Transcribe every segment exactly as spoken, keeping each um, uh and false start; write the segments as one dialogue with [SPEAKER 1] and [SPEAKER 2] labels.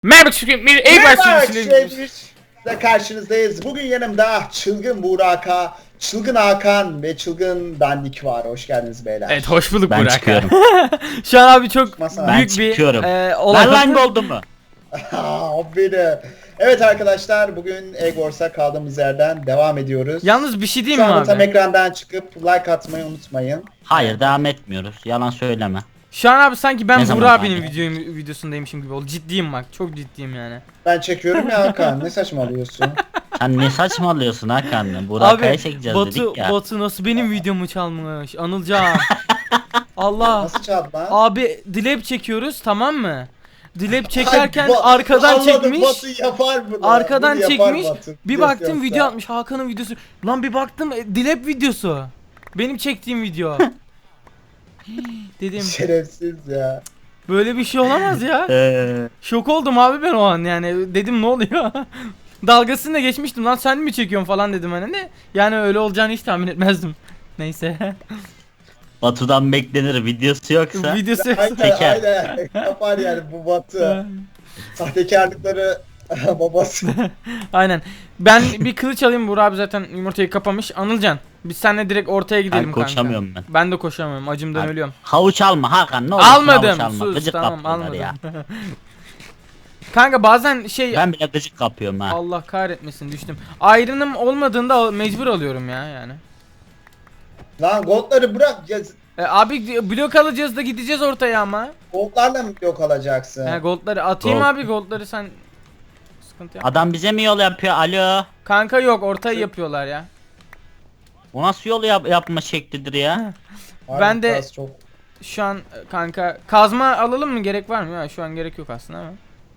[SPEAKER 1] Merhaba çünkü bir ev
[SPEAKER 2] Merhaba
[SPEAKER 1] başlıyoruz.
[SPEAKER 2] arkadaşlar, karşınızdayız. Bugün yanımda Çılgın Buraka, Çılgın Hakan ve Çılgın Dandik var. Hoş geldiniz beyler.
[SPEAKER 1] Evet, hoş bulduk
[SPEAKER 3] Ben
[SPEAKER 1] Burak.
[SPEAKER 3] çıkıyorum.
[SPEAKER 1] Şu an abi çok
[SPEAKER 2] Çıkmasana.
[SPEAKER 3] Ben
[SPEAKER 1] büyük bir
[SPEAKER 3] çıkıyorum.
[SPEAKER 1] e, olay.
[SPEAKER 3] Ver lan goldumu.
[SPEAKER 2] Aa, beni. Evet arkadaşlar, bugün Egg Wars'a kaldığımız yerden devam ediyoruz.
[SPEAKER 1] Yalnız bir şey
[SPEAKER 2] Şu
[SPEAKER 1] diyeyim mi
[SPEAKER 2] anda tam
[SPEAKER 1] abi?
[SPEAKER 2] ekrandan çıkıp like atmayı unutmayın.
[SPEAKER 3] Hayır devam etmiyoruz. Yalan söyleme.
[SPEAKER 1] Şu an abi sanki ben
[SPEAKER 3] Ne zaman
[SPEAKER 1] Burak abinin
[SPEAKER 3] abi?
[SPEAKER 1] videoyu, videosundaymışım gibi oldu. Ciddiyim bak, çok ciddiyim yani.
[SPEAKER 2] Ben çekiyorum ya Hakan, ne saçmalıyorsun?
[SPEAKER 3] Sen ne saçmalıyorsun Hakan? Burak'a
[SPEAKER 1] Abi
[SPEAKER 3] çekeceğiz
[SPEAKER 1] Batu,
[SPEAKER 3] dedik ya.
[SPEAKER 1] Batu nasıl benim videomu çalmış? Anılcan. Allah.
[SPEAKER 2] Nasıl çaldı lan?
[SPEAKER 1] Abi dilep çekiyoruz, tamam mı? Dilep çekerken
[SPEAKER 2] Ay, Ba-
[SPEAKER 1] arkadan
[SPEAKER 2] anladım,
[SPEAKER 1] çekmiş.
[SPEAKER 2] Batu yapar bunu.
[SPEAKER 1] Arkadan
[SPEAKER 2] Bunu yapar
[SPEAKER 1] çekmiş.
[SPEAKER 2] Batu.
[SPEAKER 1] Bir
[SPEAKER 2] Biliyorsun
[SPEAKER 1] baktım
[SPEAKER 2] yoksa.
[SPEAKER 1] video atmış Hakan'ın videosu. Lan bir baktım e, dilep videosu. Benim çektiğim video. Hii, dedim
[SPEAKER 2] Şerefsiz ya.
[SPEAKER 1] böyle bir şey olamaz ya.
[SPEAKER 3] Ee,
[SPEAKER 1] Şok oldum abi ben o an yani. Dedim ne oluyor? Dalgasını da geçmiştim lan, sen mi çekiyorsun falan dedim hani ne? Yani öyle olacağını hiç tahmin etmezdim. Neyse.
[SPEAKER 3] Batu'dan beklenir videosu yoksa.
[SPEAKER 1] Videosu
[SPEAKER 2] Aynen
[SPEAKER 3] Teker.
[SPEAKER 2] aynen. Yapar yani bu Batu. Sahtekarlıkları babası.
[SPEAKER 1] Aynen. Ben bir kılıç alayım, Burak abi zaten yumurtayı kapamış. Anılcan biz seninle direkt ortaya gidelim
[SPEAKER 3] Ben
[SPEAKER 1] kanka.
[SPEAKER 3] koşamıyorum ben.
[SPEAKER 1] Ben de koşamıyorum, acımdan
[SPEAKER 3] Abi,
[SPEAKER 1] ölüyorum.
[SPEAKER 3] Havuç alma Hakan, ne olursun
[SPEAKER 1] Almadım.
[SPEAKER 3] havuç alma.
[SPEAKER 1] Sus,
[SPEAKER 3] Gıcık
[SPEAKER 1] tamam
[SPEAKER 3] kapıyorlar
[SPEAKER 1] almadım.
[SPEAKER 3] ya.
[SPEAKER 1] Kanka bazen şey
[SPEAKER 3] Ben bile gıcık kapıyorum ha.
[SPEAKER 1] Allah kahretmesin düştüm. Ayrınım olmadığında al- mecbur alıyorum ya yani.
[SPEAKER 2] Lan goldları bırak. Ya,
[SPEAKER 1] E, abi blok alacağız da gideceğiz ortaya ama.
[SPEAKER 2] goldlarla mı yok alacaksın?
[SPEAKER 1] He goldları atayım
[SPEAKER 3] Gold.
[SPEAKER 1] abi, goldları sen sıkıntı yap.
[SPEAKER 3] Adam bize mi yol yapıyor? Alo.
[SPEAKER 1] Kanka yok, ortayı yapıyorlar ya.
[SPEAKER 3] O nasıl yol yap yapma şeklidir ya?
[SPEAKER 2] Harbi
[SPEAKER 1] ben de-
[SPEAKER 2] biraz çok.
[SPEAKER 1] Şu an e, kanka kazma alalım mı, gerek var mı ya? Şu an gerek yok aslında ama.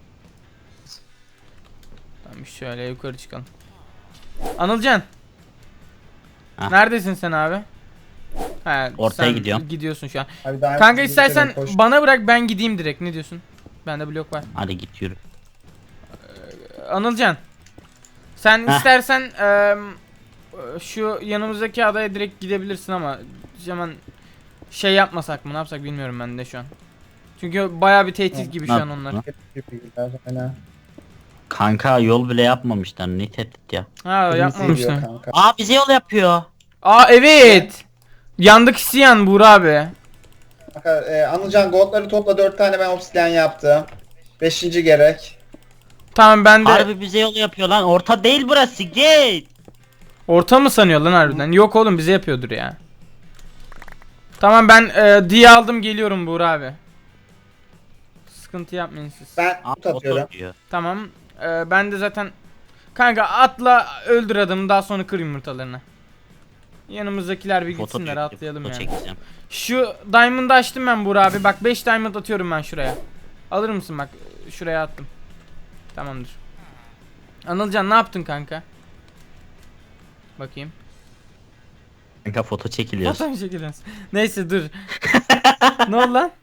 [SPEAKER 1] Tamam şöyle yukarı çıkalım. Anılcan.
[SPEAKER 3] Ha.
[SPEAKER 1] Neredesin sen abi? He,
[SPEAKER 3] Ortaya
[SPEAKER 1] sen
[SPEAKER 3] gidiyorum.
[SPEAKER 1] Gidiyorsun şu an.
[SPEAKER 2] Abi daha
[SPEAKER 1] Kanka
[SPEAKER 2] önce
[SPEAKER 1] istersen
[SPEAKER 2] bir kere koş-
[SPEAKER 1] bana bırak, ben gideyim direkt. Ne diyorsun? Bende blok var.
[SPEAKER 3] Hadi git yürü.
[SPEAKER 1] Anılcan. Sen
[SPEAKER 3] Heh.
[SPEAKER 1] istersen eee, şu yanımızdaki adaya direkt gidebilirsin ama hemen şey yapmasak mı, ne yapsak bilmiyorum ben de şu an. Çünkü baya bir tehdit gibi şu
[SPEAKER 3] Ne
[SPEAKER 1] an onlar.
[SPEAKER 3] yaptın
[SPEAKER 2] Bilgiler, aynen.
[SPEAKER 3] Kanka yol bile yapmamışlar, ne tehdit ya.
[SPEAKER 1] Ha
[SPEAKER 2] Kırmızı
[SPEAKER 1] yapmamışlar.
[SPEAKER 2] diyor kanka.
[SPEAKER 3] Aa bize yol yapıyor.
[SPEAKER 1] Aa evet. Yandık isyan Buğra abi.
[SPEAKER 2] Kanka e, Anılcan goldları topla, dört tane ben obsidian yaptım. Beşinci gerek.
[SPEAKER 1] Tamam ben de
[SPEAKER 3] Harbi bize yol yapıyor lan. Orta değil burası. Git.
[SPEAKER 1] orta mı sanıyor lan harbiden? Yok oğlum, bize yapıyordur ya. Tamam ben e, diye aldım, geliyorum Buğra abi. Sıkıntı yapmayın siz.
[SPEAKER 2] Ben
[SPEAKER 3] Aa,
[SPEAKER 2] tut atıyorum.
[SPEAKER 3] oto diyor.
[SPEAKER 1] Tamam. e, ben de zaten kanka atla öldür adamı, daha sonra kır yumurtalarını. Yanımızdakiler bir
[SPEAKER 3] Foto
[SPEAKER 1] gitsinler,
[SPEAKER 3] çekeceğim,
[SPEAKER 1] atlayalım
[SPEAKER 3] foto
[SPEAKER 1] yani.
[SPEAKER 3] çekeceğim.
[SPEAKER 1] Şu diamond'ı açtım ben Buğra abi. Bak beş diamond atıyorum ben şuraya. Alır mısın bak, şuraya attım. Tamamdır. Anılcan ne yaptın kanka? Bakayım.
[SPEAKER 3] Kanka foto çekiliyoruz.
[SPEAKER 1] Fotoğraf çekiliyoruz. Neyse dur. Ne oldu lan?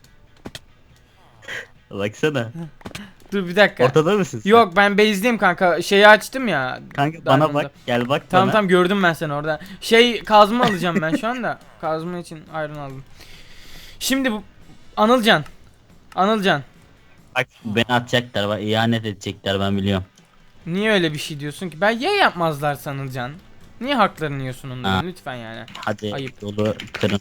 [SPEAKER 3] Baksana.
[SPEAKER 1] Dur bir dakika.
[SPEAKER 3] Ortada mısın sen?
[SPEAKER 1] Yok ben base'deyim kanka. Şeyi açtım ya.
[SPEAKER 3] Kanka bana
[SPEAKER 1] Diamond'ı.
[SPEAKER 3] bak, gel bak
[SPEAKER 1] Tamam
[SPEAKER 3] bana.
[SPEAKER 1] tamam gördüm ben seni orada. Şey kazma alacağım ben şu anda. Kazma için iron aldım. Şimdi bu Anılcan. Anılcan.
[SPEAKER 3] Bak beni atacaklar, bak ihanet edecekler, ben biliyorum.
[SPEAKER 1] Niye öyle bir şey diyorsun ki? Ben ya yapmazlar Anılcan. Niye haklarını yiyorsun onların,
[SPEAKER 3] Ha.
[SPEAKER 1] lütfen yani.
[SPEAKER 3] Hadi
[SPEAKER 1] Ayıp.
[SPEAKER 3] yolu kırın.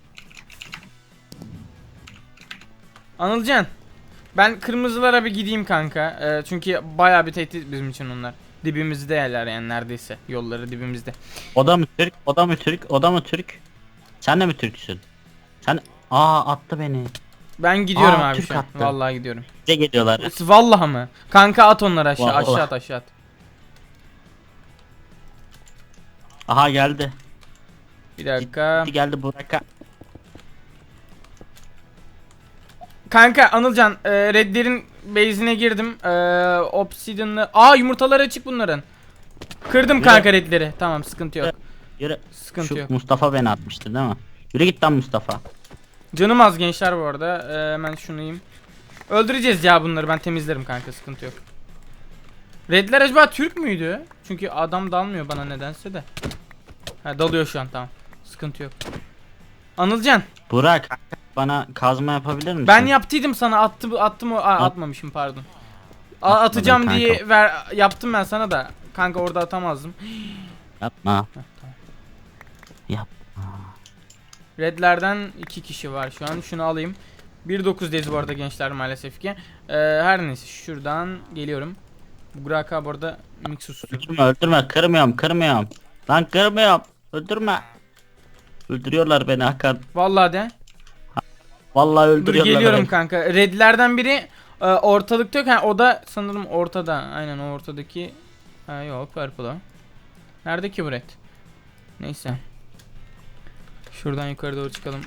[SPEAKER 1] Anılcan. Ben kırmızılara bir gideyim kanka. Ee, çünkü bayağı bir tehdit bizim için onlar. Dibimizde yerler yani, neredeyse. Yolları dibimizde.
[SPEAKER 3] O da mı Türk? O da mı Türk? O da mı Türk? Sen de mi Türksün? Sen aa attı beni.
[SPEAKER 1] Ben gidiyorum
[SPEAKER 3] Aa,
[SPEAKER 1] abi
[SPEAKER 3] Türk
[SPEAKER 1] şu an.
[SPEAKER 3] attı.
[SPEAKER 1] Vallahi gidiyorum.
[SPEAKER 3] Bize geliyorlar.
[SPEAKER 1] Vallahi mı? Kanka at onları aşağı.
[SPEAKER 3] Vallahi.
[SPEAKER 1] Aşağı at, aşağı at.
[SPEAKER 3] Aha geldi.
[SPEAKER 1] Bir dakika.
[SPEAKER 3] Gitti geldi Burak'a.
[SPEAKER 1] Kanka Anılcan, e, Redler'in base'ine girdim. E, Obsidian'lı. Aa yumurtaları açık bunların. Kırdım
[SPEAKER 3] Yürü.
[SPEAKER 1] kanka Redler'i. Tamam sıkıntı yok.
[SPEAKER 3] Yürü.
[SPEAKER 1] Sıkıntı
[SPEAKER 3] Şu
[SPEAKER 1] yok.
[SPEAKER 3] Mustafa beni atmıştı değil mi? Yürü git lan Mustafa.
[SPEAKER 1] Canım az gençler bu arada. E, hemen şunu yiyeyim. Öldüreceğiz ya bunları, ben temizlerim kanka, sıkıntı yok. Redler acaba Türk müydü? Çünkü adam dalmıyor bana nedense de. Ha dalıyor şu an, tamam. Sıkıntı yok. Anılcan,
[SPEAKER 3] Burak bana kazma yapabilir misin?
[SPEAKER 1] ben yaptıydım sana, attı attım o, aa, atmamışım pardon. A- atacağım
[SPEAKER 3] kanka.
[SPEAKER 1] diye ver yaptım ben sana da. Kanka orada atamazdım.
[SPEAKER 3] Yapma. Yap.
[SPEAKER 1] Redlerden iki kişi var şu an. Şunu alayım. bir dokuzdayız bu arada gençler maalesef ki. Ee, her neyse şuradan geliyorum. Burak bu arada Mixus.
[SPEAKER 3] Öldürme öldürme kırmıyorum kırmıyorum. Lan kırmıyorum. Öldürme. Öldürüyorlar beni Hakan.
[SPEAKER 1] Vallahi de.
[SPEAKER 3] Vallahi
[SPEAKER 1] Dur
[SPEAKER 3] öldürüyorlar
[SPEAKER 1] geliyorum
[SPEAKER 3] beni.
[SPEAKER 1] kanka. Redlerden biri e, ortalıkta yok. Ha, o da sanırım ortada. Aynen o ortadaki. Ha yok purple o. Nerede ki bu red? Neyse. Şuradan yukarı doğru çıkalım.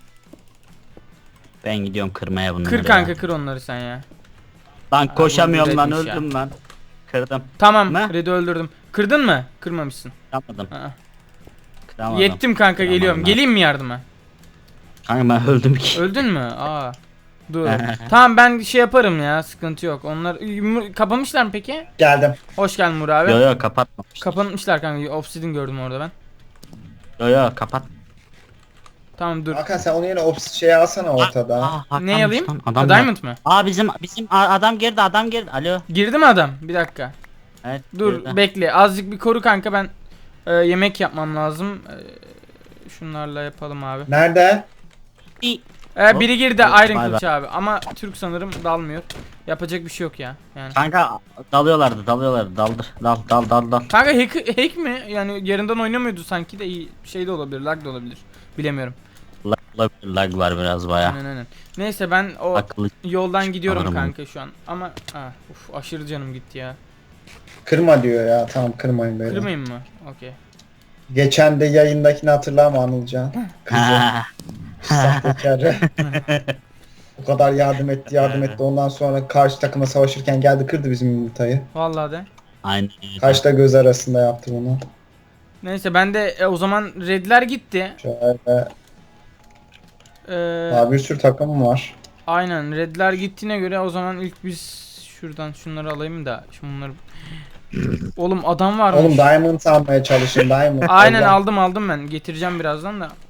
[SPEAKER 3] Ben gidiyorum kırmaya bunları.
[SPEAKER 1] Kır kanka
[SPEAKER 3] ya.
[SPEAKER 1] kır onları sen ya.
[SPEAKER 3] Lan koşamıyorum
[SPEAKER 1] bu
[SPEAKER 3] lan
[SPEAKER 1] redmiş ya.
[SPEAKER 3] öldüm lan. Kırdım.
[SPEAKER 1] Tamam
[SPEAKER 3] Ne?
[SPEAKER 1] red'i öldürdüm. Kırdın mı? Kırmamışsın.
[SPEAKER 3] Kıramadım.
[SPEAKER 1] Aa.
[SPEAKER 3] Kıramadım.
[SPEAKER 1] Yettim kanka
[SPEAKER 3] Kıramadım
[SPEAKER 1] geliyorum.
[SPEAKER 3] ben.
[SPEAKER 1] Geleyim mi yardıma?
[SPEAKER 3] Kanka ben öldüm ki.
[SPEAKER 1] Öldün mü? Aa. Dur. Tamam ben şey yaparım ya. Sıkıntı yok. Onlar Yumru- kapamışlar mı peki?
[SPEAKER 2] Geldim.
[SPEAKER 1] Hoş geldin Murat abi.
[SPEAKER 3] Yo yo kapatmamış.
[SPEAKER 1] Kapanmışlar kanka. Obsidian gördüm orada ben.
[SPEAKER 3] Yo yo kapat.
[SPEAKER 1] Tamam dur.
[SPEAKER 2] Hakan sen onu yine ops şey alsana ortada.
[SPEAKER 3] Aa, Hakan'mış
[SPEAKER 1] Ne alayım?
[SPEAKER 3] lan,
[SPEAKER 1] Ha,
[SPEAKER 3] Adam
[SPEAKER 1] Diamond mı?
[SPEAKER 3] Aa bizim bizim a- adam girdi adam girdi. Alo.
[SPEAKER 1] Girdi mi adam? Bir dakika.
[SPEAKER 3] Evet.
[SPEAKER 1] Dur
[SPEAKER 3] girdi.
[SPEAKER 1] bekle. Azıcık bir koru kanka ben e, yemek yapmam lazım. E, şunlarla yapalım abi.
[SPEAKER 2] Nerede?
[SPEAKER 3] İyi.
[SPEAKER 1] E, biri girdi
[SPEAKER 3] Hop,
[SPEAKER 1] Iron
[SPEAKER 3] bay
[SPEAKER 1] Kılıç abi ama Türk sanırım dalmıyor. Yapacak bir şey yok ya. Yani.
[SPEAKER 3] Kanka dalıyorlardı dalıyorlardı daldır dal dal dal dal.
[SPEAKER 1] Kanka hack, hack mi? Yani yerinden oynamıyordu sanki de iyi şey de olabilir, lag da olabilir. Bilemiyorum.
[SPEAKER 3] Lag, lag, lag var biraz baya.
[SPEAKER 1] Aynen aynen. Neyse ben o
[SPEAKER 3] Akıllı.
[SPEAKER 1] yoldan gidiyorum
[SPEAKER 3] Sanırım.
[SPEAKER 1] kanka şu an. Ama ah, uf, aşırı canım gitti ya.
[SPEAKER 2] Kırma diyor ya. Tamam kırmayın böyle.
[SPEAKER 1] Kırmayayım mı? Okey.
[SPEAKER 2] Geçen de yayındakini hatırlama Anılcan. Kızı.
[SPEAKER 3] Ha.
[SPEAKER 2] Sahtekarı. O kadar yardım etti yardım etti. Ondan sonra karşı takıma savaşırken geldi kırdı bizim yumurtayı.
[SPEAKER 1] Vallahi de.
[SPEAKER 3] Aynen.
[SPEAKER 2] Kaşla göz arasında yaptı bunu.
[SPEAKER 1] Neyse ben de e, o zaman redler gitti.
[SPEAKER 2] Şöyle.
[SPEAKER 1] Ee,
[SPEAKER 2] Daha bir sürü takım var.
[SPEAKER 1] aynen redler gittiğine göre o zaman ilk biz şuradan şunları alayım da şimdi bunları. Oğlum adam varmış.
[SPEAKER 2] Oğlum Diamond almaya çalışın Diamond.
[SPEAKER 1] Aynen
[SPEAKER 2] Allah.
[SPEAKER 1] aldım aldım ben. Getireceğim birazdan da.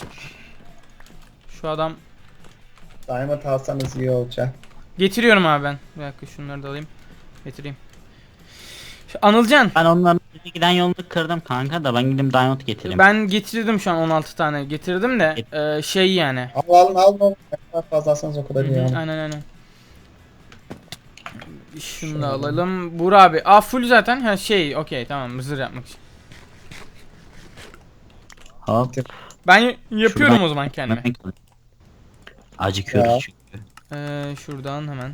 [SPEAKER 1] Şu adam
[SPEAKER 2] Diamond alsanız iyi olacak.
[SPEAKER 1] getiriyorum abi ben. Bir dakika şunları da alayım. Getireyim. Şu Anılcan.
[SPEAKER 3] Ben onların giden yolunu kırdım kanka da ben gidip diamond getireyim.
[SPEAKER 1] Ben getirdim şu an on altı tane getirdim de e, şey yani.
[SPEAKER 2] Al alın alın. Ne kadar fazla alsanız o kadar
[SPEAKER 1] Hı
[SPEAKER 2] iyi.
[SPEAKER 1] hı,
[SPEAKER 2] yani.
[SPEAKER 1] aynen aynen. Şunu da alalım. Buğra abi. Aa full zaten. Ha şey okey tamam zırh yapmak için.
[SPEAKER 3] Hop.
[SPEAKER 1] Ben y- yapıyorum
[SPEAKER 3] Şuradan-
[SPEAKER 1] o zaman kendime.
[SPEAKER 3] Acıkıyoruz
[SPEAKER 2] Ya.
[SPEAKER 3] çünkü.
[SPEAKER 1] Ee, şuradan hemen.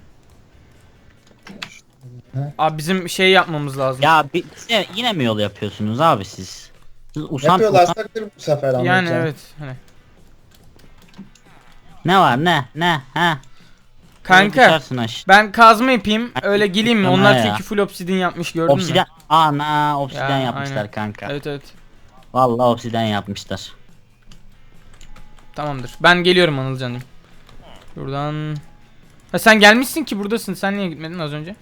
[SPEAKER 2] Hı.
[SPEAKER 1] Abi bizim şey yapmamız lazım.
[SPEAKER 3] Ya bi- bize yine mi yol yapıyorsunuz abi siz? Siz usan, usan
[SPEAKER 2] Yapıyorlarsa kır bu sefer Anılcan.
[SPEAKER 1] Yani evet. Hani.
[SPEAKER 3] ne var ne ne ha?
[SPEAKER 1] Kanka
[SPEAKER 3] Düşersin aşağı.
[SPEAKER 1] ben kazma yapayım. Öyle geleyim mi?
[SPEAKER 3] Bana
[SPEAKER 1] Onlar
[SPEAKER 3] ya.
[SPEAKER 1] çünkü full obsidian yapmış gördün
[SPEAKER 3] Obsidyen.
[SPEAKER 1] mü?
[SPEAKER 3] Ana obsidyen
[SPEAKER 1] Ya,
[SPEAKER 3] yapmışlar
[SPEAKER 1] aynen.
[SPEAKER 3] kanka.
[SPEAKER 1] Evet evet.
[SPEAKER 3] Vallahi obsidyen yapmışlar.
[SPEAKER 1] Tamamdır. Ben geliyorum Anılcan'ım. Şuradan. Ha sen gelmişsin ki buradasın. Sen niye gitmedin az önce?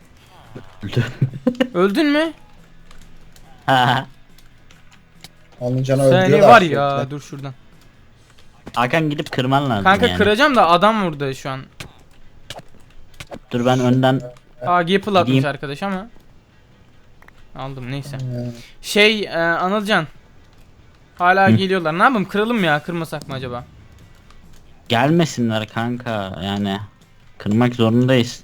[SPEAKER 1] Öldün mü?
[SPEAKER 3] Ha.
[SPEAKER 2] Anılcan'ı
[SPEAKER 1] Seni
[SPEAKER 2] öldürüyorlar
[SPEAKER 1] var
[SPEAKER 2] sürekli.
[SPEAKER 1] ya. Dur şuradan.
[SPEAKER 3] Hakan gidip kırman lazım
[SPEAKER 1] Kanka
[SPEAKER 3] yani.
[SPEAKER 1] kıracağım da adam vurdu şu an.
[SPEAKER 3] Dur ben önden
[SPEAKER 1] Aa Gapple atmış
[SPEAKER 3] Gideyim.
[SPEAKER 1] arkadaş ama. Aldım neyse.
[SPEAKER 2] Ee,
[SPEAKER 1] Şey e, Anılcan. Hala
[SPEAKER 3] Hı.
[SPEAKER 1] geliyorlar. Ne yapayım? Kıralım mı ya? Kırmasak mı acaba?
[SPEAKER 3] gelmesinler kanka yani. Kırmak zorundayız.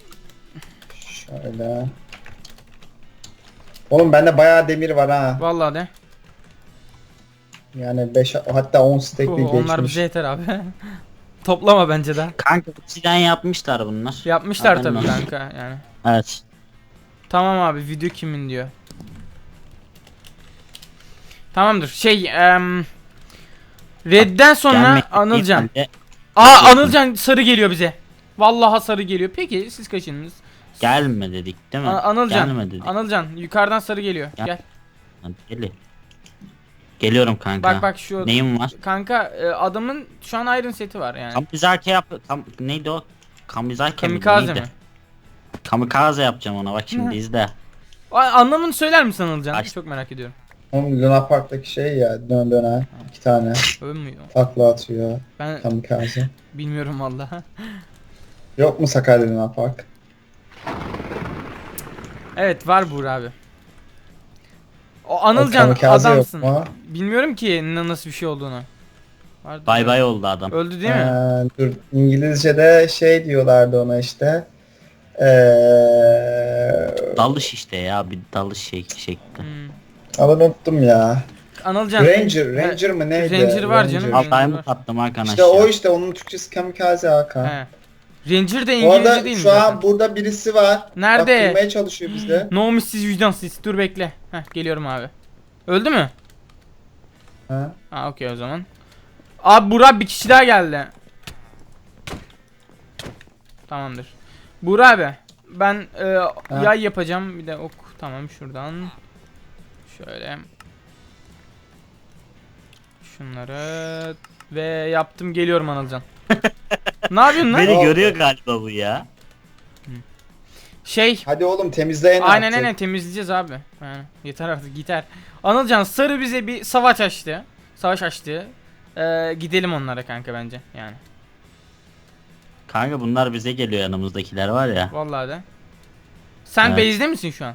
[SPEAKER 2] Şöyle. Oğlum bende bayağı demir var ha.
[SPEAKER 1] Vallahi de.
[SPEAKER 2] Yani beş hatta on stack
[SPEAKER 1] Puh,
[SPEAKER 2] bir
[SPEAKER 1] onlar
[SPEAKER 2] geçmiş.
[SPEAKER 1] bize yeter abi. Toplama bence de.
[SPEAKER 3] Kanka obsidyen yapmışlar bunlar.
[SPEAKER 1] Yapmışlar
[SPEAKER 3] Haberin
[SPEAKER 1] tabii
[SPEAKER 3] olsun.
[SPEAKER 1] kanka yani.
[SPEAKER 3] Evet.
[SPEAKER 1] Tamam abi video kimin diyor. Tamamdır. Şey em, Red'den sonra
[SPEAKER 3] Gelmek
[SPEAKER 1] Anılcan.
[SPEAKER 3] ihtimalle-
[SPEAKER 1] Aa Anılcan sarı geliyor bize. Vallahi sarı geliyor. Peki siz kaçınız?
[SPEAKER 3] Gelme dedik değil mi?
[SPEAKER 1] A- Anılcan.
[SPEAKER 3] Gelme dedik.
[SPEAKER 1] Anılcan yukarıdan sarı geliyor.
[SPEAKER 3] Gel.
[SPEAKER 1] Gel.
[SPEAKER 3] Hadi Gel. Geliyorum kanka.
[SPEAKER 1] Bak bak şu
[SPEAKER 3] Neyim var?
[SPEAKER 1] kanka e, adamın şu an iron seti var yani.
[SPEAKER 3] Kamizake yap. Kam neydi o? Kamizake mi?
[SPEAKER 1] Kamikaze
[SPEAKER 3] Neydi?
[SPEAKER 1] mi?
[SPEAKER 3] Kamikaze yapacağım ona bak şimdi izle.
[SPEAKER 1] A- Anlamını söyler misin Anılcan?
[SPEAKER 3] Aç.
[SPEAKER 1] Çok merak ediyorum.
[SPEAKER 2] Oğlum Luna Park'taki şey ya dön döne iki tane
[SPEAKER 1] Öyle mü?
[SPEAKER 2] takla atıyor
[SPEAKER 1] Ben
[SPEAKER 2] kamikaze.
[SPEAKER 1] bilmiyorum vallahi.
[SPEAKER 2] Yok mu Sakarya Luna Park?
[SPEAKER 1] Evet var Buğra abi. O Anılcan
[SPEAKER 2] kamikaze yok
[SPEAKER 1] adamsın.
[SPEAKER 2] mu?
[SPEAKER 1] Bilmiyorum ki ne- nasıl bir şey olduğunu. Vardı
[SPEAKER 3] Bay
[SPEAKER 1] da.
[SPEAKER 3] bay oldu adam.
[SPEAKER 1] Öldü değil mi?
[SPEAKER 2] Ee, dur İngilizce'de şey diyorlardı ona işte. Ee,
[SPEAKER 3] Dalış işte ya, bir dalış şey şekli.
[SPEAKER 1] Hmm.
[SPEAKER 2] Ama unuttum ya.
[SPEAKER 1] Anılcan.
[SPEAKER 2] Ranger, Ranger mı neydi?
[SPEAKER 1] Ranger var canım.
[SPEAKER 3] Al
[SPEAKER 1] Ranger
[SPEAKER 3] diamond
[SPEAKER 1] var.
[SPEAKER 3] attım Hakan
[SPEAKER 2] İşte
[SPEAKER 3] aşağı.
[SPEAKER 2] o işte onun Türkçesi kamikaze Hakan.
[SPEAKER 1] He. Ranger de
[SPEAKER 2] Bu
[SPEAKER 1] İngilizce
[SPEAKER 2] arada
[SPEAKER 1] değil mi
[SPEAKER 2] şu
[SPEAKER 1] zaten?
[SPEAKER 2] an burada birisi var.
[SPEAKER 1] Nerede?
[SPEAKER 2] Bak durmaya çalışıyor bizde.
[SPEAKER 1] No siz vicdansız. Dur bekle. Heh geliyorum abi. Öldü mü?
[SPEAKER 2] Ha?
[SPEAKER 1] Ha okey o zaman. Abi Burak bir kişi daha geldi. Tamamdır. Burak abi ben e, yay yapacağım bir de ok. Tamam şuradan. Şöyle. Şunları ve yaptım geliyorum Anılcan. Ne yapıyorsun lan?
[SPEAKER 3] Beni
[SPEAKER 2] Ne
[SPEAKER 3] görüyor
[SPEAKER 2] oldu?
[SPEAKER 3] galiba bu ya.
[SPEAKER 1] Şey.
[SPEAKER 2] Hadi oğlum temizleyin
[SPEAKER 1] Aynen
[SPEAKER 2] artık.
[SPEAKER 1] aynen temizleyeceğiz abi. Yani yeter artık yeter. Anılcan sarı bize bir savaş açtı. Savaş açtı. Ee, gidelim onlara kanka bence yani.
[SPEAKER 3] Kanka bunlar bize geliyor, yanımızdakiler var ya.
[SPEAKER 1] Vallahi de. Sen
[SPEAKER 3] Evet.
[SPEAKER 1] base'de misin şu an?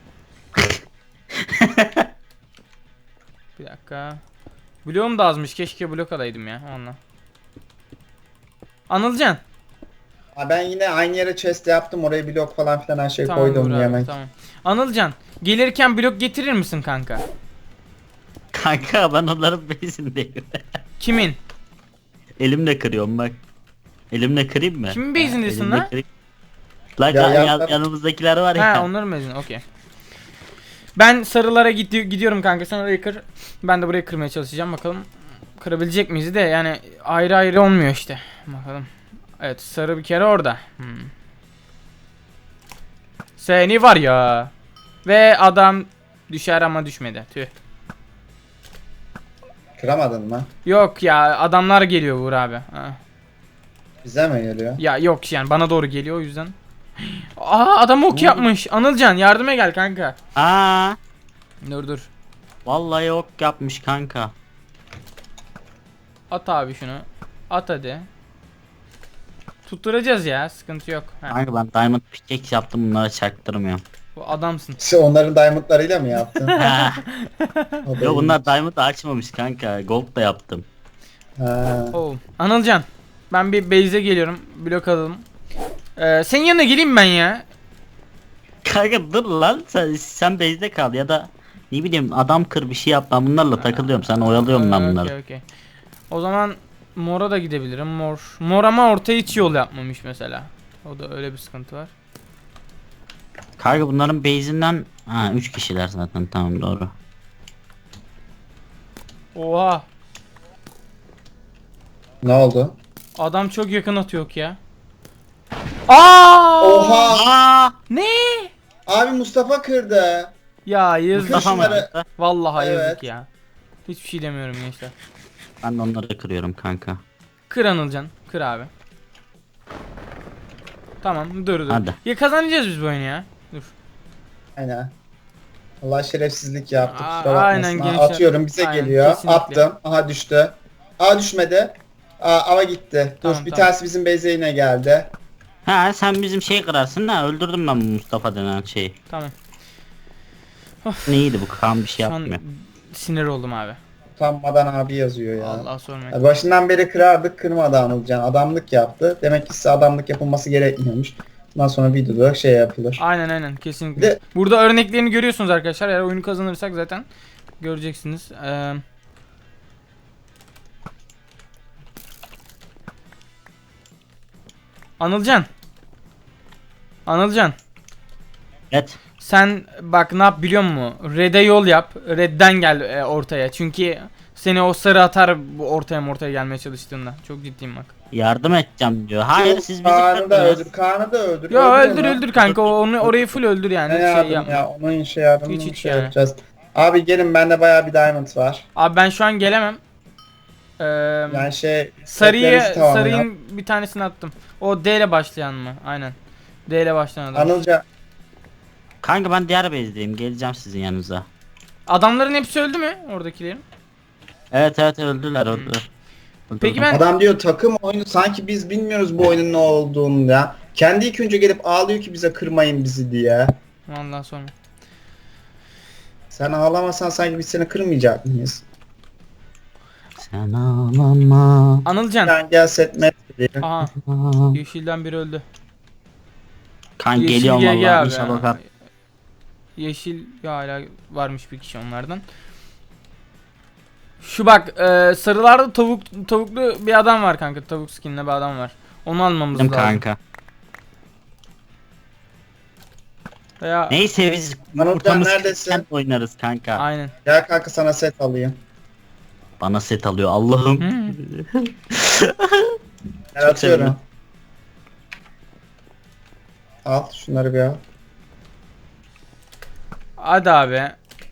[SPEAKER 1] Bir dakika. Bloğum da azmış. Keşke blok alaydım ya onunla. Anılcan.
[SPEAKER 2] Ha, ben yine aynı yere chest yaptım. Oraya blok falan filan her şey
[SPEAKER 1] Tamam
[SPEAKER 2] koydum
[SPEAKER 1] Buğra abi,
[SPEAKER 2] yemek.
[SPEAKER 1] tamam. Anılcan. Gelirken blok getirir misin kanka?
[SPEAKER 3] Kanka ben onların bezindeyim.
[SPEAKER 1] Kimin?
[SPEAKER 3] Elimle kırıyorum bak. Elimle kırayım mı?
[SPEAKER 1] Kimin base'indesin
[SPEAKER 3] Elimle
[SPEAKER 1] lan?
[SPEAKER 3] kırayım. Lan
[SPEAKER 2] Ya,
[SPEAKER 3] yan-
[SPEAKER 2] ya-
[SPEAKER 3] yan- yanımızdakiler var ya.
[SPEAKER 1] Ha onların base'in okey. Ben sarılara gidi- gidiyorum kanka sen orayı kır. Ben de burayı kırmaya çalışacağım bakalım. Kırabilecek miyiz de yani ayrı ayrı olmuyor işte. Bakalım. Evet sarı bir kere orada. Hmm. Seni var ya. Ve adam düşer ama düşmedi. Tüh.
[SPEAKER 2] Kıramadın mı?
[SPEAKER 1] Yok ya adamlar geliyor Uğur abi. Ha.
[SPEAKER 2] Bize mi geliyor?
[SPEAKER 1] Ya yok yani bana doğru geliyor o yüzden. Aa adam ok
[SPEAKER 3] oldu?
[SPEAKER 1] yapmış. Anılcan yardıma gel kanka.
[SPEAKER 3] Aa,
[SPEAKER 1] Dur dur.
[SPEAKER 3] vallahi yok yapmış kanka.
[SPEAKER 1] At abi şunu. At hadi. Tutturacağız ya sıkıntı yok. Ha,
[SPEAKER 3] Kanka ben diamond pickaxe yaptım, bunlara çaktırmıyorum.
[SPEAKER 1] bu adamsın.
[SPEAKER 2] İşte onların diamondlarıyla mı yaptın?
[SPEAKER 3] Ha,
[SPEAKER 2] O da
[SPEAKER 3] Yo bunlar
[SPEAKER 2] iyiymiş.
[SPEAKER 3] diamond da açmamış kanka. Gold da yaptım.
[SPEAKER 2] Ha.
[SPEAKER 1] Oo. Anılcan. Ben bir base'e geliyorum. Blok alalım. Ee, senin yanına geleyim ben ya.
[SPEAKER 3] Kanka dur lan, sen, sen base'de kal ya da ne bileyim adam kır bir şey yap, ben bunlarla takılıyorum, sen oyalıyorum ben
[SPEAKER 1] Ee,
[SPEAKER 3] bunları.
[SPEAKER 1] okey, okey. O zaman Mor'a da gidebilirim. Mor. Mor ama ortaya hiç yol yapmamış mesela. O da öyle bir sıkıntı var.
[SPEAKER 3] Kanka bunların base'inden ha üç kişiler zaten, tamam doğru.
[SPEAKER 1] Oha.
[SPEAKER 2] Ne oldu?
[SPEAKER 1] Adam çok yakın atıyor ya. Aa!
[SPEAKER 2] Oha!
[SPEAKER 3] Aa!
[SPEAKER 1] Ne?
[SPEAKER 2] Abi Mustafa kırdı.
[SPEAKER 1] Ya yazık.
[SPEAKER 2] Mustafa mı?
[SPEAKER 3] Şunları-
[SPEAKER 1] Vallahi
[SPEAKER 2] Evet.
[SPEAKER 1] yazık ya. Hiçbir şey demiyorum gençler.
[SPEAKER 3] Ben de onları kırıyorum kanka.
[SPEAKER 1] Kır Anılcan. Kır abi. Tamam dur dur.
[SPEAKER 3] Hadi.
[SPEAKER 1] Ya kazanacağız biz bu oyunu ya. Dur.
[SPEAKER 2] Aynen. Allah şerefsizlik yaptı.
[SPEAKER 1] Aa,
[SPEAKER 2] Kusura
[SPEAKER 1] aynen
[SPEAKER 2] bakmasın.
[SPEAKER 1] gençler.
[SPEAKER 2] Atıyorum bize
[SPEAKER 1] Aynen,
[SPEAKER 2] geliyor.
[SPEAKER 1] kesinlikle.
[SPEAKER 2] Attım. Aha düştü. Aa düşmedi. Aa ama gitti. Dur
[SPEAKER 1] Tamam,
[SPEAKER 2] bir
[SPEAKER 1] tamam.
[SPEAKER 2] tanesi bizim base'e yine geldi.
[SPEAKER 3] Ha sen bizim şey kırarsın da, öldürdüm ben bu Mustafa denen şeyi.
[SPEAKER 1] Tamam.
[SPEAKER 3] Neydi bu, kan bir şey
[SPEAKER 1] Şu an
[SPEAKER 3] yapmıyor.
[SPEAKER 1] sinir oldum abi.
[SPEAKER 2] Utanmadan abi yazıyor ya.
[SPEAKER 1] Allah sormayın.
[SPEAKER 2] Ya başından beri kırardık, kırmadı Anılcan. Adamlık yaptı. Demek ki size adamlık yapılması gerekmiyormuş. Bundan sonra videoda şey yapılır.
[SPEAKER 1] Aynen aynen kesinlikle.
[SPEAKER 2] Bir de-
[SPEAKER 1] Burada örneklerini görüyorsunuz arkadaşlar. Eğer oyunu kazanırsak zaten göreceksiniz. Ee... Anılcan. Anılcan.
[SPEAKER 3] Evet.
[SPEAKER 1] Sen bak ne yap biliyor musun? Red'e yol yap. Red'den gel e, ortaya. Çünkü seni o sarı atar bu ortaya ortaya gelmeye çalıştığında. Çok ciddiyim bak.
[SPEAKER 3] Yardım edeceğim diyor. Hayır siz bizi
[SPEAKER 2] Kaan'ı da
[SPEAKER 3] kırdınız.
[SPEAKER 2] öldür. Kaan'ı da öldür.
[SPEAKER 1] Yo öldür
[SPEAKER 2] onu.
[SPEAKER 1] öldür kanka. O- Onu orayı full öldür yani.
[SPEAKER 2] Ne
[SPEAKER 1] Hiç şey
[SPEAKER 2] yardım
[SPEAKER 1] yapma.
[SPEAKER 2] ya? Onun şey yardımını
[SPEAKER 1] Hiç,
[SPEAKER 2] mı
[SPEAKER 1] hiç
[SPEAKER 2] şey
[SPEAKER 1] yani.
[SPEAKER 2] yapacağız. Abi gelin bende bayağı bir diamond var.
[SPEAKER 1] Abi ben şu an gelemem. Ee,
[SPEAKER 2] Yani şey
[SPEAKER 1] sarıyı
[SPEAKER 2] setlerinizi tamamlayın.
[SPEAKER 1] sarıyın bir tanesini attım. O D ile başlayan mı? Aynen. D ile başlayan adam.
[SPEAKER 2] Anılca
[SPEAKER 3] Kanka ben diğer base'deyim, geleceğim sizin yanınıza.
[SPEAKER 1] Adamların hepsi öldü mü oradakilerin?
[SPEAKER 3] Evet evet öldüler öldüler.
[SPEAKER 1] Peki
[SPEAKER 3] Öldürdüm.
[SPEAKER 1] ben-
[SPEAKER 2] adam diyor takım oyunu sanki biz bilmiyoruz bu oyunun ne olduğunu ya. Kendi ilk önce gelip ağlıyor ki bize kırmayın bizi diye.
[SPEAKER 1] Vallahi sorma.
[SPEAKER 2] Sen ağlamasan sanki biz seni kırmayacak mıyız?
[SPEAKER 3] Sen ağlama.
[SPEAKER 1] Anılcan.
[SPEAKER 2] Sen gel setme diye.
[SPEAKER 1] Aha. Yeşilden biri öldü.
[SPEAKER 3] Kan
[SPEAKER 1] Yeşil
[SPEAKER 3] geliyorum
[SPEAKER 1] G G
[SPEAKER 3] valla
[SPEAKER 1] abi.
[SPEAKER 3] inşallah. Kan.
[SPEAKER 1] Yeşil ya hala varmış bir kişi onlardan. Şu bak e, sarılarda tavuk tavuklu bir adam var kanka. Tavuk skinli bir adam var. Onu almamız
[SPEAKER 3] Dedim
[SPEAKER 1] lazım.
[SPEAKER 3] kanka.
[SPEAKER 1] Veya
[SPEAKER 3] Neyse biz
[SPEAKER 2] Anılcan
[SPEAKER 3] ortamız
[SPEAKER 2] neredesin?
[SPEAKER 3] kent oynarız kanka.
[SPEAKER 1] aynen.
[SPEAKER 2] Gel kanka sana set alayım.
[SPEAKER 3] Bana set alıyor Allah'ım.
[SPEAKER 1] Hmm.
[SPEAKER 2] Gel
[SPEAKER 3] Çok
[SPEAKER 2] atıyorum.
[SPEAKER 3] sevindim.
[SPEAKER 2] Al şunları bir al.
[SPEAKER 1] Hadi abi.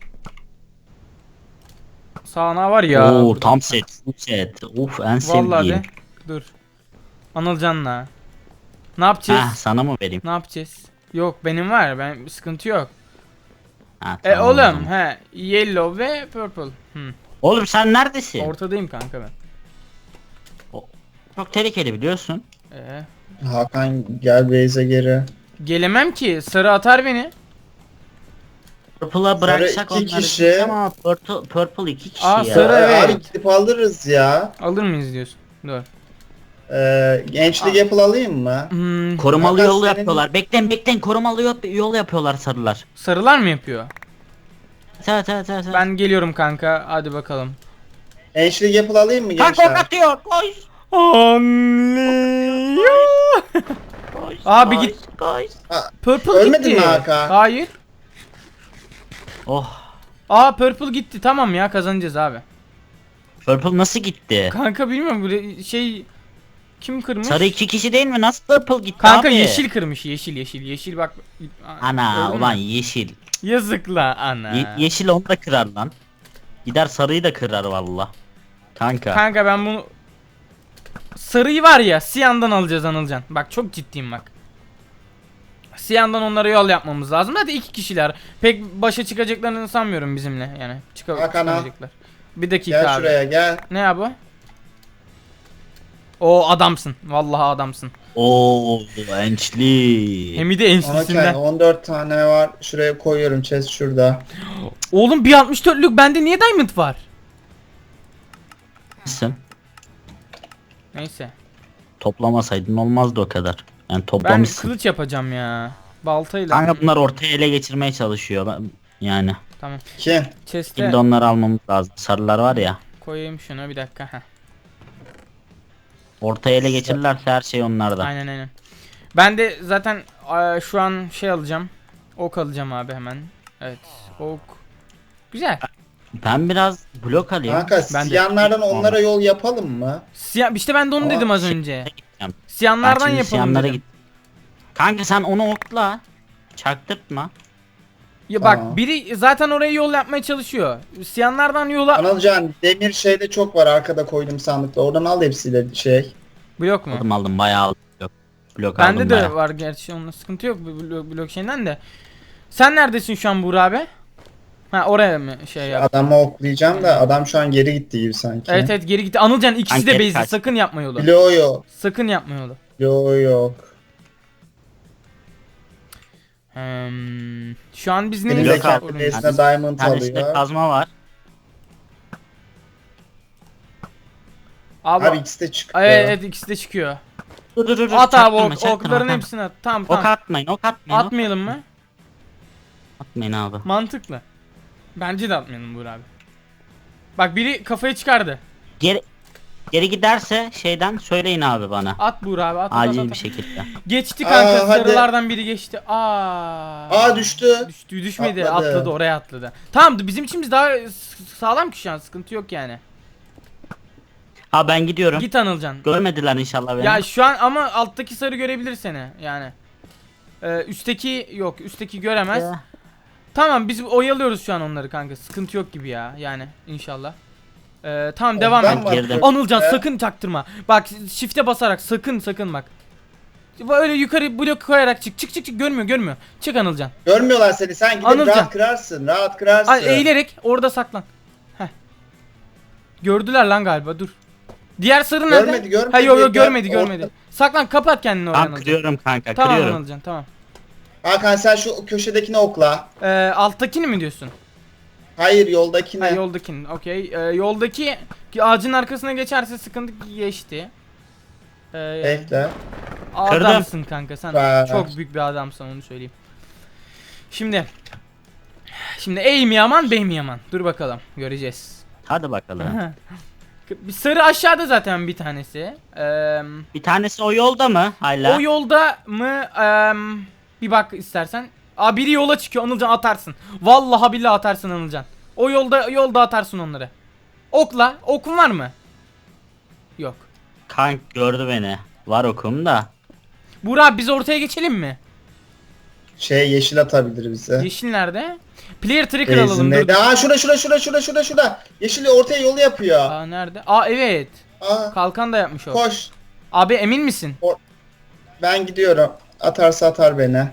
[SPEAKER 1] Sağına var ya.
[SPEAKER 3] Oo tam set, full set. Of en
[SPEAKER 1] Vallahi
[SPEAKER 3] sevdiğim.
[SPEAKER 1] de. Dur. Anılcan'la. Ne yapacağız?
[SPEAKER 3] Heh, sana mı vereyim?
[SPEAKER 1] Ne yapacağız? Yok benim var. Ben sıkıntı yok.
[SPEAKER 3] Ha,
[SPEAKER 1] E
[SPEAKER 3] tamam o zaman.
[SPEAKER 1] oğlum he yellow ve purple. Hmm.
[SPEAKER 3] Oğlum sen neredesin?
[SPEAKER 1] Ortadayım kanka ben.
[SPEAKER 3] Çok tehlikeli biliyorsun.
[SPEAKER 1] Ee,
[SPEAKER 2] Hakan gel base'e geri.
[SPEAKER 1] gelemem ki. Sarı atar beni.
[SPEAKER 3] Purple'a bıraksak
[SPEAKER 2] iki
[SPEAKER 3] onları
[SPEAKER 2] kişi.
[SPEAKER 3] biz ama purple, purple iki kişi
[SPEAKER 1] Aa,
[SPEAKER 3] ya.
[SPEAKER 1] sarı-
[SPEAKER 2] Abi,
[SPEAKER 1] evet.
[SPEAKER 2] abi gidip alırız ya.
[SPEAKER 1] Alır mıyız diyorsun? Dur.
[SPEAKER 2] Ee, gençlik Apple alayım mı?
[SPEAKER 1] Hmm,
[SPEAKER 3] Korumalı
[SPEAKER 2] Hakan
[SPEAKER 3] yol
[SPEAKER 2] senin-
[SPEAKER 3] yapıyorlar. Beklen beklen korumalı yol, yol yapıyorlar sarılar.
[SPEAKER 1] sarılar mı yapıyor?
[SPEAKER 3] Evet evet evet.
[SPEAKER 1] Ben geliyorum kanka. Hadi bakalım.
[SPEAKER 2] Gençlik Apple alayım mı
[SPEAKER 3] Kanka ok
[SPEAKER 2] gençler?
[SPEAKER 3] atıyor. Koş.
[SPEAKER 1] Anlıyor.
[SPEAKER 3] Koş.
[SPEAKER 1] Abi
[SPEAKER 3] koş,
[SPEAKER 1] git.
[SPEAKER 3] Koş.
[SPEAKER 1] Purple
[SPEAKER 2] Ölmedin
[SPEAKER 1] gitti.
[SPEAKER 2] mi Hakan?
[SPEAKER 1] Hayır.
[SPEAKER 3] Oh.
[SPEAKER 1] Aa purple gitti. Tamam ya kazanacağız abi.
[SPEAKER 3] Purple nasıl gitti?
[SPEAKER 1] Kanka bilmiyorum böyle şey kim kırmış?
[SPEAKER 3] Sarı iki kişi değil mi? Nasıl purple gitti
[SPEAKER 1] Kanka
[SPEAKER 3] abi?
[SPEAKER 1] yeşil kırmış. Yeşil yeşil yeşil bak.
[SPEAKER 3] Ana
[SPEAKER 1] Gördün mü?
[SPEAKER 3] ulan yeşil.
[SPEAKER 1] Yazık la ana.
[SPEAKER 3] Ye- yeşil onu da kırar lan. Gider sarıyı da kırar valla. Kanka.
[SPEAKER 1] Kanka ben bunu sarıyı var ya Siyan'dan alacağız Anılcan. Bak çok ciddiyim bak. Siyan'dan onlara yol yapmamız lazım. Hadi iki kişiler. Pek başa çıkacaklarını sanmıyorum bizimle yani. Çıka
[SPEAKER 2] Hakan al.
[SPEAKER 1] çıkamayacaklar. Bir dakika
[SPEAKER 2] Gel
[SPEAKER 1] abi.
[SPEAKER 2] şuraya gel.
[SPEAKER 1] Ne ya bu? O adamsın. Vallahi adamsın.
[SPEAKER 3] Oo ençli.
[SPEAKER 1] Hem de
[SPEAKER 2] Hakan
[SPEAKER 1] enslisinden.
[SPEAKER 2] on dört tane var. Şuraya koyuyorum. Chest şurada.
[SPEAKER 1] Oğlum bir altmış dörtlük bende niye diamond var?
[SPEAKER 3] Sen
[SPEAKER 1] Neyse.
[SPEAKER 3] toplamasaydın olmazdı o kadar. Yani
[SPEAKER 1] Ben
[SPEAKER 3] toplamışsın.
[SPEAKER 1] kılıç yapacağım ya. Baltayla.
[SPEAKER 3] Kanka bunlar ortaya ele geçirmeye çalışıyor. Ben- Yani.
[SPEAKER 1] Tamam.
[SPEAKER 2] Kim?
[SPEAKER 1] Chest'e
[SPEAKER 3] Şimdi onları almamız lazım. Sarılar var ya.
[SPEAKER 1] koyayım şunu bir dakika. Heh.
[SPEAKER 3] Ortaya ele geçirirlerse her şey onlarda.
[SPEAKER 1] Aynen aynen. Ben de zaten eee, şu an şey alacağım. Ok alacağım abi hemen. Evet. Ok. Güzel.
[SPEAKER 3] Ben biraz blok alayım.
[SPEAKER 2] Kanka
[SPEAKER 1] Ben de-
[SPEAKER 2] siyanlardan onlara yol yapalım mı?
[SPEAKER 1] Siyah işte ben de onu
[SPEAKER 2] Aa,
[SPEAKER 1] dedim az
[SPEAKER 3] şey-
[SPEAKER 1] önce.
[SPEAKER 3] Gideceğim. Ben
[SPEAKER 1] Siyanlardan
[SPEAKER 3] şimdi
[SPEAKER 1] yapalım
[SPEAKER 3] siyanlara
[SPEAKER 1] dedim.
[SPEAKER 3] git. Kanka sen onu okla. Çaktırtma.
[SPEAKER 1] Ya bak
[SPEAKER 2] Tamam.
[SPEAKER 1] biri zaten oraya yol yapmaya çalışıyor. Siyanlardan yola
[SPEAKER 2] Anılcan demir şeyde çok var arkada koydum sandıkta. Oradan al hepsiyle şey.
[SPEAKER 1] blok mu?
[SPEAKER 3] Aldım aldım bayağı aldım. Blok, blok
[SPEAKER 1] Bende
[SPEAKER 3] aldım
[SPEAKER 1] de
[SPEAKER 3] bayağı.
[SPEAKER 1] var gerçi onunla sıkıntı yok bu blok, blok şeyinden de. Sen neredesin şu an Buğra abi? Ha oraya mı şey yap?
[SPEAKER 2] Adamı oklayacağım da adam şu an geri gitti gibi sanki.
[SPEAKER 1] Evet evet geri gitti. Anılcan ikisi
[SPEAKER 3] Kanka,
[SPEAKER 1] de
[SPEAKER 3] geri
[SPEAKER 1] base'de.
[SPEAKER 3] kaç.
[SPEAKER 1] Sakın yapma yolu.
[SPEAKER 2] Bloğu yok.
[SPEAKER 1] Sakın yapma yolu.
[SPEAKER 2] Bloğu yok.
[SPEAKER 1] Hmm, şu an biz
[SPEAKER 3] Blok
[SPEAKER 1] neyiz?
[SPEAKER 2] Birinde
[SPEAKER 3] al.
[SPEAKER 2] kendi
[SPEAKER 1] Oyuncu.
[SPEAKER 2] base'ine diamond
[SPEAKER 3] Tanesinde
[SPEAKER 2] alıyor.
[SPEAKER 3] kazma var.
[SPEAKER 1] Abi,
[SPEAKER 2] Abi ikisi de çıkıyor.
[SPEAKER 1] evet, evet ikisi de çıkıyor.
[SPEAKER 3] Dur dur dur.
[SPEAKER 1] At abi
[SPEAKER 3] çaktırma,
[SPEAKER 1] ok,
[SPEAKER 3] çaktırma,
[SPEAKER 1] okların
[SPEAKER 3] tamam.
[SPEAKER 1] hepsini at. Tamam
[SPEAKER 3] Ok
[SPEAKER 1] tamam.
[SPEAKER 3] atmayın ok atmayın. ok
[SPEAKER 1] Atmayalım mı?
[SPEAKER 3] Atmayın abi.
[SPEAKER 1] Mantıklı. Bence de atmayalım Buğra abi. Bak biri kafayı çıkardı.
[SPEAKER 3] Geri geri giderse şeyden söyleyin abi bana.
[SPEAKER 1] At Buğra abi at. at, at,
[SPEAKER 3] Acil
[SPEAKER 1] at.
[SPEAKER 3] bir şekilde.
[SPEAKER 1] Geçti kanka
[SPEAKER 2] Aa, hadi.
[SPEAKER 1] sarılardan biri geçti. Aa.
[SPEAKER 2] Aa düştü.
[SPEAKER 1] Düştü düşmedi
[SPEAKER 2] Atladı.
[SPEAKER 1] atladı oraya atladı. Tamam bizim içimiz daha s- sağlam ki şu an sıkıntı yok yani.
[SPEAKER 3] Ha ben gidiyorum.
[SPEAKER 1] Git Anılcan.
[SPEAKER 3] Görmediler inşallah beni.
[SPEAKER 1] Ya şu an ama alttaki sarı görebilir seni yani. Ee, üstteki yok üstteki göremez.
[SPEAKER 3] Ya.
[SPEAKER 1] Tamam biz oyalıyoruz şu an onları kanka sıkıntı yok gibi ya yani inşallah. Ee, tamam
[SPEAKER 2] Ondan
[SPEAKER 1] devam et.
[SPEAKER 2] var
[SPEAKER 3] Girdim.
[SPEAKER 2] köprüde.
[SPEAKER 1] Anılcan sakın çaktırma. Bak shift'e basarak sakın sakın bak. Böyle yukarı blok koyarak çık çık çık çık görmüyor görmüyor. Çık Anılcan.
[SPEAKER 2] Görmüyorlar seni. Sen gidip
[SPEAKER 1] Anılcan.
[SPEAKER 2] rahat kırarsın. Rahat kırarsın.
[SPEAKER 1] Ay, eğilerek orada saklan. Heh. Gördüler lan galiba dur. Diğer sarı nerede?
[SPEAKER 2] Görmedi, görmedi.
[SPEAKER 1] Ha yok yok
[SPEAKER 2] Gör-
[SPEAKER 1] görmedi görmedi.
[SPEAKER 2] Orta-
[SPEAKER 1] Saklan kapat kendini oraya
[SPEAKER 3] Ben
[SPEAKER 1] Anılcan.
[SPEAKER 3] kırıyorum kanka
[SPEAKER 1] Tamam
[SPEAKER 3] kırıyorum.
[SPEAKER 1] Anılcan tamam.
[SPEAKER 2] Hakan sen şu köşedekini okla.
[SPEAKER 1] Ee, alttakini mi diyorsun?
[SPEAKER 2] Hayır yoldakini.
[SPEAKER 1] Ha, yoldakini. Okey. Ee, yoldaki ağacın arkasına geçerse sıkıntı geçti. Ee,
[SPEAKER 2] Bekle.
[SPEAKER 1] adamsın kanka sen.
[SPEAKER 2] Ver.
[SPEAKER 1] Çok büyük bir adamsın onu söyleyeyim. Şimdi. Şimdi ey mi yaman bey mi yaman? Dur bakalım göreceğiz.
[SPEAKER 3] Hadi bakalım.
[SPEAKER 1] Bir sarı aşağıda zaten bir tanesi. Ee,
[SPEAKER 3] Bir tanesi o yolda mı hala?
[SPEAKER 1] o yolda mı? Ee, bir bak istersen. Aa biri yola çıkıyor Anılcan atarsın. Vallahi billahi atarsın Anılcan. O yolda yolda atarsın onları. Okla. Okun var mı? Yok.
[SPEAKER 3] Kank gördü beni. Var okum da.
[SPEAKER 1] Burak biz ortaya geçelim mi?
[SPEAKER 2] Şey yeşil atabilir bize.
[SPEAKER 1] Yeşil nerede? Player trigger alalım. Dur.
[SPEAKER 2] Benzinde. Aa şurada şurada şurada şurada şurada şurada. Yeşil ortaya yolu yapıyor.
[SPEAKER 1] Aa nerede? Aa evet.
[SPEAKER 2] Aa
[SPEAKER 1] Kalkan da yapmış o.
[SPEAKER 2] koş.
[SPEAKER 1] Abi emin misin?
[SPEAKER 2] Ben gidiyorum. Atarsa atar beni.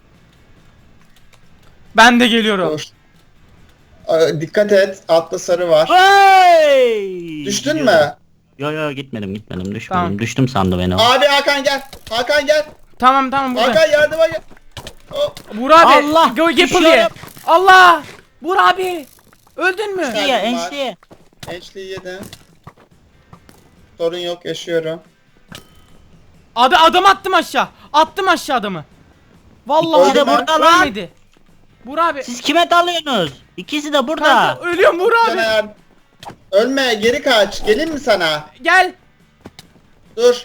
[SPEAKER 1] Ben de geliyorum.
[SPEAKER 2] Dur. Aa, dikkat et. Altta sarı var.
[SPEAKER 3] Hey!
[SPEAKER 2] Düştün
[SPEAKER 3] Gidiyorum.
[SPEAKER 2] mü?
[SPEAKER 3] Yo yo gitmedim gitmedim düşmedim.
[SPEAKER 1] Tamam.
[SPEAKER 3] Düştüm sandı beni o.
[SPEAKER 2] Abi Hakan gel. Hakan gel.
[SPEAKER 1] Tamam tamam burada.
[SPEAKER 2] Hakan yardıma gel. Hop.
[SPEAKER 1] Burak abi.
[SPEAKER 3] Allah,
[SPEAKER 1] Go Gapple ye.
[SPEAKER 3] düşüyorum.
[SPEAKER 1] Allah. Burak abi. Öldün mü?
[SPEAKER 2] Sen-
[SPEAKER 3] Enşliye enşliye.
[SPEAKER 2] Ençliği yedim. Sorun yok yaşıyorum.
[SPEAKER 1] Adı adam attım aşağı. Attım aşağı adamı. Vallahi
[SPEAKER 2] Öldü
[SPEAKER 1] adam
[SPEAKER 2] mü?
[SPEAKER 3] Burada lan.
[SPEAKER 1] ölmedi. Burak abi.
[SPEAKER 3] Siz kime dalıyorsunuz? İkisi de burada.
[SPEAKER 1] Kanka, ölüyorum Burak
[SPEAKER 2] Sana
[SPEAKER 1] abi.
[SPEAKER 2] yardım- Ölme geri kaç. Gelin mi sana?
[SPEAKER 1] Gel.
[SPEAKER 2] Dur.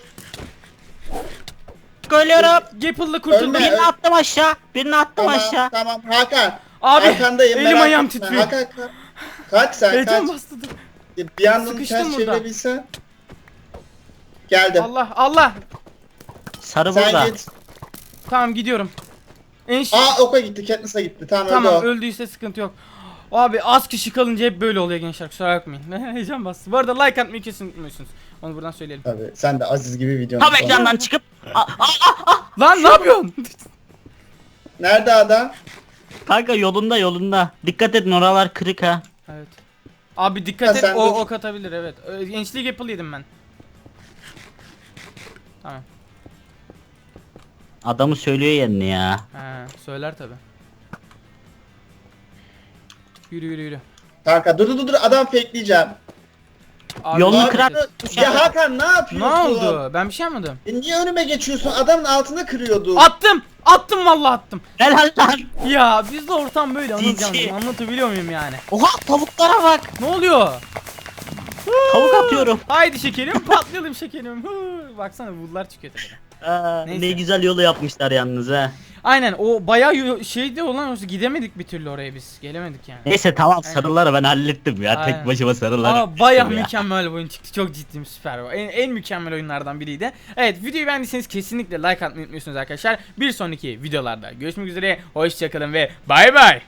[SPEAKER 3] Ölüyorum.
[SPEAKER 1] Gapple'la kurtuldum.
[SPEAKER 2] Ölme.
[SPEAKER 3] Birini attım aşağı. Birini attım
[SPEAKER 2] Tamam
[SPEAKER 3] aşağı.
[SPEAKER 2] tamam Hakan.
[SPEAKER 1] Abi
[SPEAKER 2] Arkandayım,
[SPEAKER 1] elim
[SPEAKER 2] merak
[SPEAKER 1] ayağım
[SPEAKER 2] etme.
[SPEAKER 1] titriyor.
[SPEAKER 2] Hakan kaç. Kaç sen
[SPEAKER 1] Heyecan
[SPEAKER 2] kaç.
[SPEAKER 1] bastı dur.
[SPEAKER 2] Bir yandan
[SPEAKER 1] Sıkıştım
[SPEAKER 2] ters
[SPEAKER 1] burada.
[SPEAKER 2] çevirebilsen. Geldim.
[SPEAKER 1] Allah Allah.
[SPEAKER 3] Sarı
[SPEAKER 2] Sen
[SPEAKER 3] burada.
[SPEAKER 2] git.
[SPEAKER 1] Tamam gidiyorum. En
[SPEAKER 2] Aa oka gitti. Katniss'a gitti. Tamam,
[SPEAKER 1] Tamam
[SPEAKER 2] öldü o.
[SPEAKER 1] öldüyse sıkıntı yok. Abi az kişi kalınca hep böyle oluyor gençler kusura bakmayın. Heyecan bastı. Bu arada like atmayı kesin unutmuyorsunuz. Onu buradan söyleyelim.
[SPEAKER 2] Tabii sen de Aziz gibi videonu.
[SPEAKER 3] Tam
[SPEAKER 2] sonra-
[SPEAKER 3] ekrandan çıkıp. Aa, aa, aa.
[SPEAKER 1] Lan ne yapıyorsun?
[SPEAKER 2] Nerede adam?
[SPEAKER 3] Kanka yolunda yolunda. Dikkat edin oralar kırık ha.
[SPEAKER 1] Evet. Abi dikkat
[SPEAKER 2] Ha,
[SPEAKER 1] et
[SPEAKER 2] sen
[SPEAKER 1] o
[SPEAKER 2] dur.
[SPEAKER 1] ok atabilir evet. Ee, Gençlik Apple yedim ben. Tamam.
[SPEAKER 3] Adamı söylüyor yerini ya.
[SPEAKER 1] Ha, söyler tabi. Yürü yürü yürü.
[SPEAKER 2] Kanka dur dur dur adam fakeleyeceğim.
[SPEAKER 1] Abi,
[SPEAKER 3] Yolunu
[SPEAKER 1] ne
[SPEAKER 3] kırar-
[SPEAKER 1] yapacağız?
[SPEAKER 2] Ya Hakan ne
[SPEAKER 1] Ne
[SPEAKER 2] yapıyorsun?
[SPEAKER 1] oldu? Ben bir şey yapmadım.
[SPEAKER 2] E niye önüme geçiyorsun? Adamın altına kırıyordu.
[SPEAKER 1] Attım! Attım vallahi attım.
[SPEAKER 3] Helal lan.
[SPEAKER 1] Ya bizde ortam böyle
[SPEAKER 3] Cici.
[SPEAKER 1] anlatacağım. Anlatabiliyor muyum yani?
[SPEAKER 3] Oha tavuklara bak.
[SPEAKER 1] Ne oluyor?
[SPEAKER 3] Tavuk atıyorum.
[SPEAKER 1] Haydi şekerim patlayalım şekerim. Hı, baksana buldular çıkıyor tepeden.
[SPEAKER 3] Aa,
[SPEAKER 1] Neyse.
[SPEAKER 3] ne güzel yolu yapmışlar yalnız ha.
[SPEAKER 1] Aynen o bayağı yo- şeydi olan olsa gidemedik bir türlü oraya biz. Gelemedik yani.
[SPEAKER 3] Neyse tamam
[SPEAKER 1] Aynen.
[SPEAKER 3] sarıları ben hallettim ya.
[SPEAKER 1] Aynen.
[SPEAKER 3] Tek başıma sarıları.
[SPEAKER 1] Aa bayağı
[SPEAKER 3] hallettim ya.
[SPEAKER 1] mükemmel bir oyun çıktı. Çok ciddiyim süper. En, en mükemmel oyunlardan biriydi. Evet videoyu beğendiyseniz kesinlikle like atmayı unutmuyorsunuz arkadaşlar. Bir sonraki videolarda görüşmek üzere. Hoşçakalın ve bay bay.